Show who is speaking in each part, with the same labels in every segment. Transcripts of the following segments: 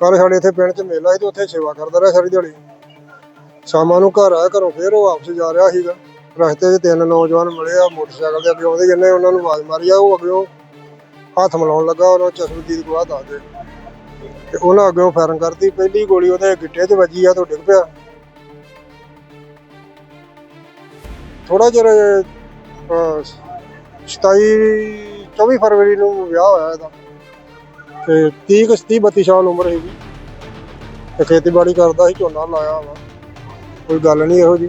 Speaker 1: ਕੱल साढ़े इत्थे पिंड च मेला ਸੀ ਤੇ ਉੱਥੇ सेवा करदा ਰਿਹਾ सारी दिहाड़ी। शामां ਨੂੰ ਘਰ आया घरों फिर वो वापस जा रहा ਸੀਗਾ। रस्ते 'ਚ 3 नौजवान मिले आ मोटरसाइकिल ਤੇ ਅੱਗੇ ਆਉਂਦੇ ਜਿੰਨੇ ਉਹਨਾਂ ਨੂੰ ਆਵਾਜ਼ ਮਾਰੀ ਆ ਉਹ ਅੱਗਿਓਂ ਹੱਥ ਮਿਲਾਉਣ ਲੱਗਾ ਉਹਨਾਂ ਚਸ਼ਮਦੀਦ ਗਵਾਹ ਦੱਸਦੇ ਤੇ ਉਹਨਾਂ ਅੱਗਿਓਂ ਫਾਇਰਿੰਗ ਕਰਤੀ। ਪਹਿਲੀ ਗੋਲੀ ਉਹਦੇ ਗਿੱਟੇ 'ਚ ਵੱਜੀ ਆ ਤੇ ਡਿੱਗ ਪਿਆ। ਥੋੜਾ ਚਿਰ 24 ਫਰਵਰੀ ਨੂੰ ਵਿਆਹ ਹੋਇਆ ਇਹਦਾ ਤੇ 30-32 ਸਾਲ ਉਮਰ ਸੀਗੀ ਤੇ ਖੇਤੀਬਾੜੀ ਕਰਦਾ ਸੀ, ਝੋਨਾ ਲਾਇਆ ਵਾ, ਕੋਈ ਗੱਲ ਨਹੀਂ ਇਹੋ ਜੀ।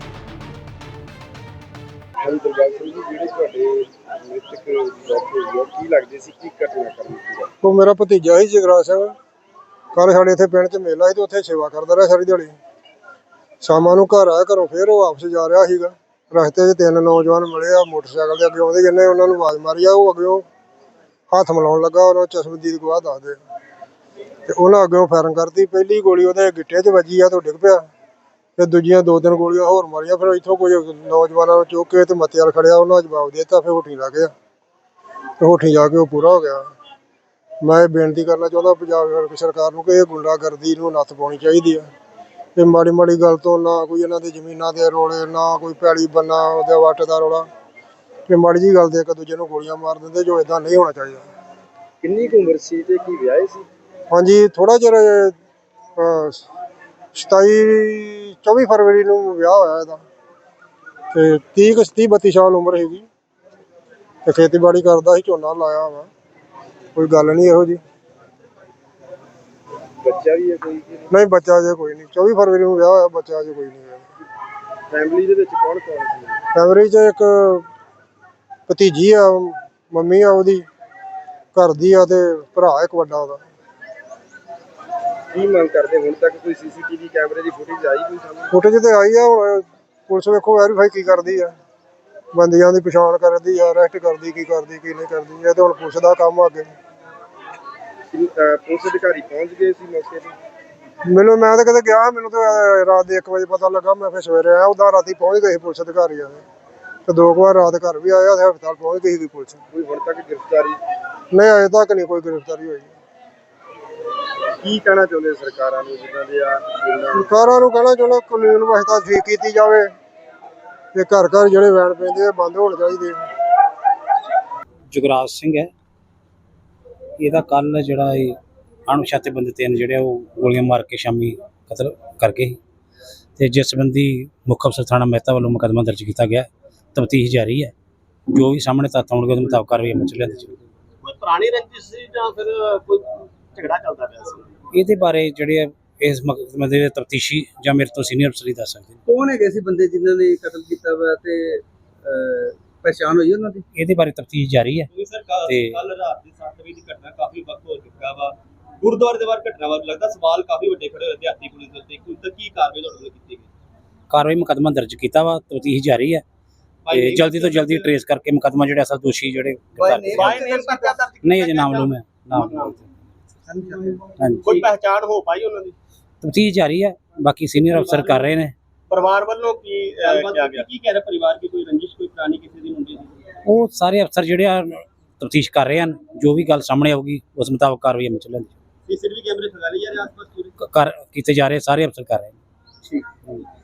Speaker 1: ਉਹ ਮੇਰਾ ਭਤੀਜਾ ਸੀ ਜਗਰਾਜ ਸਿੰਘ। ਕੱਲ ਸਾਡੇ ਇੱਥੇ ਪਿੰਡ 'ਚ ਮੇਲਾ ਸੀ ਤੇ ਉੱਥੇ ਸੇਵਾ ਕਰਦਾ ਰਿਹਾ ਸਾਰੀ ਦਿਹਾੜੀ। ਸ਼ਾਮਾਂ ਨੂੰ ਘਰ ਆਇਆ ਘਰੋਂ ਫਿਰ ਉਹ ਵਾਪਸ ਜਾ ਰਿਹਾ ਸੀਗਾ। ਰਸਤੇ 'ਚ 3 ਨੌਜਵਾਨ ਮਿਲੇ ਆ ਮੋਟਰਸਾਈਕਲ ਤੇ ਅੱਗੇ ਆਉਂਦੇ ਜਿੰਨੇ ਉਹਨਾਂ ਨੂੰ ਆਵਾਜ਼ ਮਾਰੀ ਆ ਉਹ ਅੱਗਿਓਂ ਹੱਥ ਮਿਲਾਉਣ ਲੱਗਾ ਉਹਨਾਂ ਚਸ਼ਮਦੀਦ ਗਵਾਹ ਦੱਸਦੇ ਤੇ ਉਹਨਾਂ ਅੱਗਿਓਂ ਫਾਇਰਿੰਗ ਕਰਤੀ। ਪਹਿਲੀ ਗੋਲੀ ਉਹਦੇ ਗਿੱਟੇ 'ਚ ਵੱਜੀ ਆ ਤੇ ਡਿੱਗ ਪਿਆ ਤੇ ਦੂਜੀਆਂ 2-3 ਗੋਲੀਆਂ ਹੋਰ ਮਾਰੀਆਂ। ਫਿਰ ਇੱਥੋਂ ਕੁਝ ਨੌਜਵਾਨਾਂ ਨੂੰ ਚੁੱਕ ਕੇ ਤੇ ਮੱਤੇ ਵਾਲ ਖੜਿਆ ਉਹਨਾਂ ਜਵਾਬ ਦੇ ਦਿੱਤਾ। ਫਿਰ ਹੋਠੀ ਲੱਗ ਗਿਆ ਤੇ ਹੋਠੀ ਜਾ ਕੇ ਉਹ ਪੂਰਾ ਹੋ ਗਿਆ। ਮੈਂ ਇਹ ਬੇਨਤੀ ਕਰਨਾ ਚਾਹੁੰਦਾ ਪੰਜਾਬ ਸਰਕਾਰ ਨੂੰ ਕਿ ਇਹ ਗੁੰਡਾਗਰਦੀ ਨੂੰ ਨੱਥ ਪਾਉਣੀ ਚਾਹੀਦੀ ਆ। ਇਹ ਮਾੜੀ ਮਾੜੀ ਗੱਲ ਤੋਂ ਨਾ ਕੋਈ ਇਹਨਾਂ ਦੇ ਜ਼ਮੀਨਾਂ ਦੇ ਰੋਲੇ, ਨਾ ਕੋਈ ਪੈਲੀ ਬੰਨਾ ਉਹਦੇ ਵੱਟ ਦਾ ਰੌਲਾ, ਇਹ ਮਾੜੀ ਜਿਹੀ ਗੱਲ ਤੇ ਇੱਕ ਦੂਜੇ ਨੂੰ ਗੋਲੀਆਂ ਮਾਰ ਦਿੰਦੇ, ਜੋ ਇਦਾਂ ਨਹੀਂ ਹੋਣਾ ਚਾਹੀਦਾ।
Speaker 2: ਕਿੰਨੀ ਕੁ ਉਮਰ ਸੀ ਤੇ ਕੀ ਵਿਆਹੇ ਸੀ?
Speaker 1: ਹਾਂਜੀ, ਥੋੜਾ ਚਿਰ 24 ਫਰਵਰੀ ਨੂੰ ਵਿਆਹ ਹੋਇਆ ਇਹਦਾ ਤੇ 30-32 ਸਾਲ ਉਮਰ ਸੀਗੀ ਤੇ ਖੇਤੀਬਾੜੀ ਕਰਦਾ ਸੀ, ਝੋਨਾ ਲਾਇਆ ਵਾ, ਕੋਈ ਗੱਲ ਨਹੀਂ ਇਹੋ ਜੀ।
Speaker 2: ਬੱਚਾ ਵੀ ਹੈ ਕੋਈ?
Speaker 1: ਨਹੀਂ, ਬੱਚਾ ਅਜੇ ਕੋਈ ਨਹੀਂ। 24 ਫਰਵਰੀ ਨੂੰ ਵਿਆਹ ਹੋਇਆ, ਬੱਚਾ ਅਜੇ ਕੋਈ ਨਹੀਂ ਹੋਇਆ।
Speaker 2: ਫੈਮਿਲੀ ਦੇ ਵਿੱਚ ਕੌਣ ਕੌਣ ਸੀ?
Speaker 1: ਫੈਮਿਲੀ 'ਚ ਇੱਕ ਭਤੀਜੀ ਆ, ਮੰਮੀ ਆ ਉਹਦੀ, ਘਰ ਦੀ ਆ ਤੇ ਭਰਾ ਇੱਕ ਵੱਡਾ ਉਹਦਾ।
Speaker 2: ਕੀ ਮੰਗ ਕਰਦੇ? ਹੁਣ ਤੱਕ ਕੋਈ ਸੀਸੀਟੀਵੀ ਕੈਮਰੇ ਦੀ ਫੁਟੇਜ ਆਈ ਕੋਈ ਸਾਹਮਣੇ?
Speaker 1: ਫੁਟੇਜ ਤੇ ਆਈ ਆ, ਹੁਣ ਪੁਲਿਸ ਵੇਖੋ ਵੈਰੀਫਾਈ ਕੀ ਕਰਦੀ ਆ, ਬੰਦਿਆਂ ਦੀ ਪਛਾਣ ਕਰਦੀ ਆ, ਅਰੈਸਟ ਕਰਦੀ, ਕੀ ਕਰਦੀ ਕੀ ਨਹੀਂ ਕਰਦੀ, ਇਹ ਤੇ ਹੁਣ ਪੁਲਿਸ ਦਾ ਕੰਮ ਆ ਅੱਗੇ।
Speaker 2: ਪੁਲਿਸ ਅਧਿਕਾਰੀ ਪਹੁੰਚ ਗਏ ਸੀ ਮੌਕੇ ਤੇ?
Speaker 1: ਮੈਂ ਤਾਂ ਕਦੇ ਗਿਆ, ਮੈਨੂੰ ਤਾਂ ਰਾਤ ਦੇ 1 ਵਜੇ ਪਤਾ ਲੱਗਾ। ਮੈਂ ਫਿਰ ਸਵੇਰੇ ਆਇਆ, ਉਦਾਂ ਰਾਤੀ ਪਹੁੰਚ ਗਏ ਸੀ ਪੁਲਿਸ ਅਧਿਕਾਰੀ ਆ ਤੇ 2 ਵਾਰ ਰਾਤ ਘਰ ਵੀ ਆਇਆ ਤੇ ਹਸਪਤਾਲ ਪਹੁੰਚ ਗਈ ਸੀ ਪੁਲਿਸ।
Speaker 2: ਕੋਈ ਹੁਣ ਤੱਕ ਗ੍ਰਿਫਤਾਰੀ?
Speaker 1: ਨਹੀਂ, ਅਜੇ ਤੱਕ ਨਹੀਂ ਕੋਈ ਗ੍ਰਿਫਤਾਰੀ ਹੋਈ।
Speaker 2: ਕੀ ਕਹਿਣਾ ਚਾਹੁੰਦੇ ਸਰਕਾਰਾਂ ਨੂੰ ਜਿੱਦਾਂ ਦੇ ਆ?
Speaker 1: ਸਰਕਾਰਾਂ ਨੂੰ ਕਹਿਣਾ ਚਾਹੁੰਦਾ ਕਾਨੂੰਨ ਵਿਵਸਥਾ ਠੀਕ ਕੀਤੀ ਜਾਵੇ ਤੇ ਘਰ ਘਰ ਜਿਹੜੇ ਵੈਨ ਪੈਂਦੇ ਆ ਬੰਦ ਹੋਣੇ ਚਾਹੀਦੇ।
Speaker 3: ਜਗਰਾਜ ਸਿੰਘ ਹੈ ਇਹਦਾ। ਕੱਲ ਜਿਹੜਾ ਇਹ ਅਣਪਛਾਤੇ ਬੰਦੇ 3 ਜਿਹੜੇ ਉਹ ਗੋਲੀਆਂ ਮਾਰ ਕੇ ਸ਼ਾਮੀ ਕਤਲ ਕਰ ਗਏ ਤੇ ਜਿਸ ਸੰਬੰਧੀ ਮੁੱਖ ਅਫਸਰ ਥਾਣਾ ਮਹਿਤਾ ਵੱਲੋਂ ਮੁਕੱਦਮਾ ਦਰਜ ਕੀਤਾ ਗਿਆ। ਤਫਤੀਸ਼ ਜਾਰੀ ਹੈ, ਜੋ ਵੀ ਸਾਹਮਣੇ ਤੱਥ ਆਉਣਗੇ ਉਹਦੇ ਮੁਤਾਬਕ ਕਾਰਵਾਈ ਅਮਲ 'ਚ ਲਿਆਂਦੀ ਜਾਵੇਗੀ।
Speaker 2: ਕੋਈ ਪੁਰਾਣੀ ਰੰਜਿਸ਼ ਸੀ ਜਾਂ ਫਿਰ ਕੋਈ ਝਗੜਾ ਚੱਲਦਾ ਪਿਆ ਸੀ?
Speaker 3: ਇਹਦੇ ਬਾਰੇ ਜਿਹੜੇ ਇਸ ਮੁਕੱਦਮੇ ਦੇ ਤਫਤੀਸ਼ੀ ਜਾਂ ਮੇਰੇ ਤੋਂ ਸੀਨੀਅਰ ਅਫਸਰ ਹੀ ਦੱਸ ਸਕਦੇ ਨੇ।
Speaker 2: ਕੌਣ ਹੈਗੇ ਸੀ ਬੰਦੇ ਜਿਨ੍ਹਾਂ ਨੇ ਕਤਲ ਕੀਤਾ ਵਾ ਤੇ ਪਛਾਣ ਹੋਈ ਉਹਨਾਂ ਦੀ?
Speaker 3: ਇਹਦੇ ਬਾਰੇ ਤਫਤੀਸ਼ ਜਾਰੀ ਹੈ
Speaker 2: ਤੇ ਕੱਲ ਰਾਤ ਦੀ 7 ਵਜੇ ਦੀ ਘਟਨਾ ਕਾਫੀ ਵਕਤ ਹੋ ਚੁੱਕਾ ਵਾ, ਗੁਰਦੁਆਰੇ ਦੇ ਬਾਹਰ ਘਟਨਾ ਵਾ, ਲੱਗਦਾ ਸਵਾਲ ਕਾਫੀ ਵੱਡੇ ਖੜੇ ਹੋਏ ਦਿਹਾਤੀ ਪੁਲਿਸ ਦੇ ਉੱਤੇ। ਹੁਣ ਤੱਕ ਕੀ ਕਾਰਵਾਈ ਤੁਹਾਡੇ ਵੱਲੋਂ ਕੀਤੀ ਗਈ?
Speaker 3: ਕਾਰਵਾਈ ਮੁਕੱਦਮਾ ਦਰਜ ਕੀਤਾ ਵਾ, ਤਫਤੀਸ਼ ਜਾਰੀ ਹੈ ਤੇ ਜਲਦੀ ਤੋਂ ਜਲਦੀ ਟਰੇਸ ਕਰਕੇ ਮੁਕੱਦਮਾ ਜਿਹੜੇ ਅਸਲ ਦੋਸ਼ੀ ਜਿਹੜੇ ਨਹੀਂ ਅਜੇ ਨਾਮਲੂਮ ਹੈ।
Speaker 2: ਕੋਈ ਪਹਿਚਾਣ ਹੋ ਪਾਈ ਉਹਨਾਂ ਦੀ?
Speaker 3: ਤਫਤੀਸ਼ ਜਾਰੀ ਹੈ, ਬਾਕੀ ਸੀਨੀਅਰ ਅਫਸਰ ਕਰ ਰਹੇ ਨੇ।
Speaker 2: ਪਰਿਵਾਰ ਵੱਲੋਂ ਕੀ ਕਿਹਾ ਗਿਆ? ਕੀ ਕਹਿ ਰਿਹਾ ਪਰਿਵਾਰ? ਕੀ ਕੋਈ ਰੰਜਿਸ਼, ਕੋਈ ਪੁਰਾਣੀ ਕਿਸੇ ਦੀ ਮੁੰਡੇ ਦੀ?
Speaker 3: ਉਹ ਸਾਰੇ ਅਫਸਰ ਜਿਹੜੇ ਆ ਤਫਤੀਸ਼ ਕਰ ਰਹੇ ਹਨ, ਜੋ ਵੀ ਗੱਲ ਸਾਹਮਣੇ ਆਊਗੀ ਉਸ ਮੁਤਾਬਕ ਕਾਰਵਾਈ ਅਮਲ 'ਚ ਲਿਆਂਦੀ
Speaker 2: ਸੀਸੀਟੀਵੀ ਕੈਮਰੇ ਖੰਗਾਲੇ ਜਾ ਰਹੇ ਆਸ-ਪਾਸ
Speaker 3: ਕਰ ਕੀਤੇ ਜਾ ਰਹੇ, ਸਾਰੇ ਅਫਸਰ ਕਰ ਰਹੇ ਨੇ।
Speaker 2: ਠੀਕ।